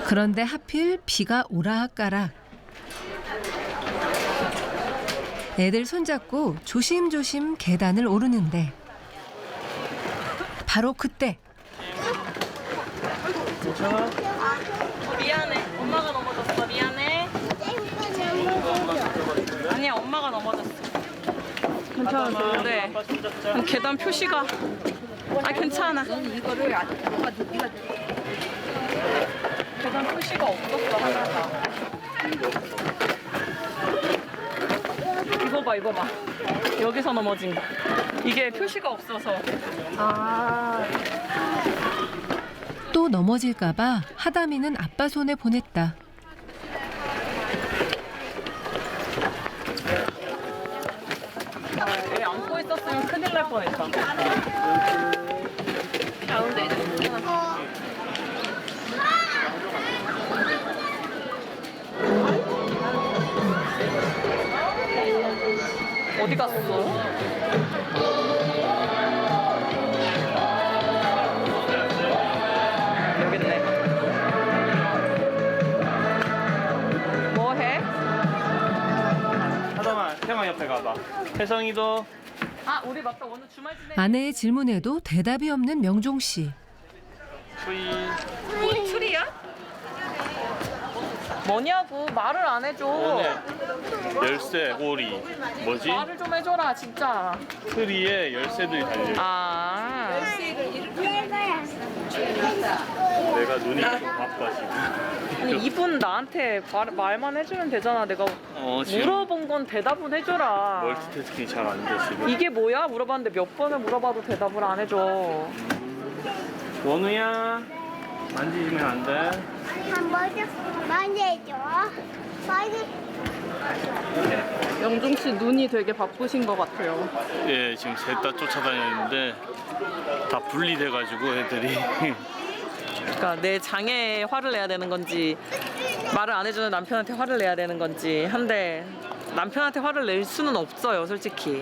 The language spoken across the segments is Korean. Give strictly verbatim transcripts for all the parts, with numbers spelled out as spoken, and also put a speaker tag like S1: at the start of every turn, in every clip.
S1: 그런데 하필 비가 오락가락. 애들 손잡고 조심조심 계단을 오르는데 바로 그때.
S2: 어, 미안해. 엄마가 넘어졌어. 미안해. 아니야, 엄마가 넘어졌어. 괜찮았어요? 네. 계단 표시가. 아, 괜찮아.
S3: 이거를 안
S2: 계단 표시가 없었어, 하나가. 이거 봐, 이거 봐. 여기서 넘어진 거. 이게 표시가 없어서.
S3: 아.
S1: 또 넘어질까봐 하담이는 아빠 손에 보냈다.
S2: 애 안고 있었으면 큰일 날 뻔했다. 가운데. 어디 갔어? 여기 있네. 뭐 해?
S4: 하담아, 태양 옆에 가봐. 혜성이도.
S2: 아, 우리 맞다. 오늘 주말 지내.
S1: 아내의 질문에도 대답이 없는 명종 씨.
S4: 수이.
S2: 우리 출이야? 뭐냐고 말을 안 해줘.
S4: 오늘 열쇠, 오리. 뭐지?
S2: 말을 좀 해줘라 진짜.
S4: 트리에 열쇠들이 달려.
S2: 아.
S4: 내가 눈이 좀 바빠 지금.
S2: 아니, 이분 나한테 말, 말만 해주면 되잖아. 내가
S4: 어, 지금
S2: 물어본 건 대답은 해줘라.
S4: 멀티태스킹이 잘 안 돼 지금.
S2: 이게 뭐야? 물어봤는데 몇 번을 물어봐도 대답을 안 해줘.
S4: 원우야, 만지시면 안 돼.
S5: 한번 만져줘. 만져.
S2: 영종 씨 눈이 되게 바쁘신 것 같아요.
S4: 예, 지금 셋 다 쫓아다녔는데 다 분리돼가지고 애들이.
S2: 그러니까 내 장애에 화를 내야 되는 건지 말을 안 해주는 남편한테 화를 내야 되는 건지 한데 남편한테 화를 낼 수는 없어요, 솔직히.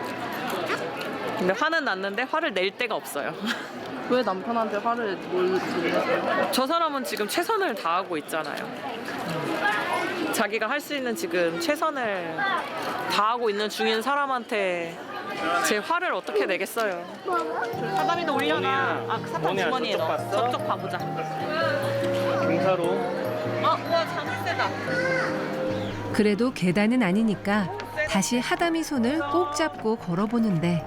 S2: 근데 화는 났는데 화를 낼 데가 없어요.
S3: 왜 남편한테 화를 내세요?
S2: 저 사람은 지금 최선을 다하고 있잖아요. 자기가 할 수 있는 지금 최선을 다하고 있는 중인 사람한테 제 화를 어떻게 내겠어요. 사담이도 올려놔. 아, 그 사탕
S4: 원우야,
S2: 주머니에
S4: 저쪽
S2: 넣어.
S4: 봤어?
S2: 저쪽 봐보자.
S4: 경사로.
S2: 아, 우와, 자물쇠다.
S1: 그래도 계단은 아니니까 다시 하담이 손을 꼭 잡고 걸어보는데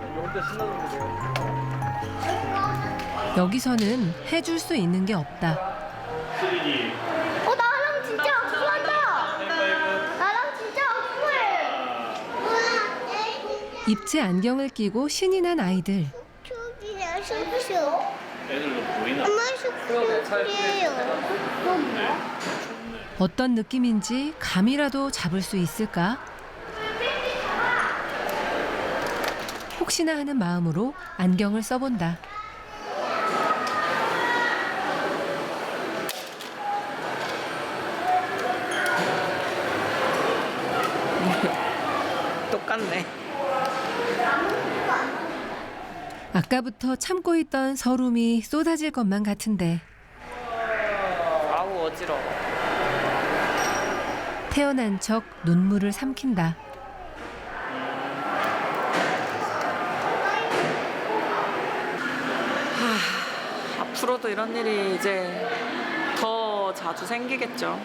S1: 여기서는 해줄 수 있는 게 없다.
S4: 쓰레기.
S5: 어 나랑 진짜 악수한다. 나랑 진짜 악수해.
S1: 입체 안경을 끼고 신이 난 아이들.
S5: 슈기야 슈슈.
S4: 애들도 보이나?
S5: 엄마 슈슈예요.
S1: 어떤 느낌인지 감이라도 잡을 수 있을까? 혹시나 하는 마음으로 안경을 써본다.
S2: 똑같네.
S1: 아까부터 참고 있던 서름이 쏟아질 것만 같은데
S2: 아우, 어지러워.
S1: 태어난 척 눈물을 삼킨다.
S2: 하, 앞으로도 이런 일이 이제 더 자주 생기겠죠.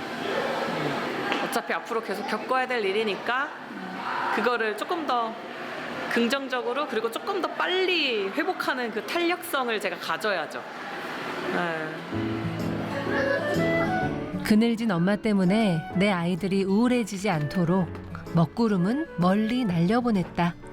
S2: 어차피 앞으로 계속 겪어야 될 일이니까 그거를 조금 더 긍정적으로 그리고 조금 더 빨리 회복하는 그 탄력성을 제가 가져야죠. 네.
S1: 그늘진 엄마 때문에 내 아이들이 우울해지지 않도록 먹구름은 멀리 날려보냈다.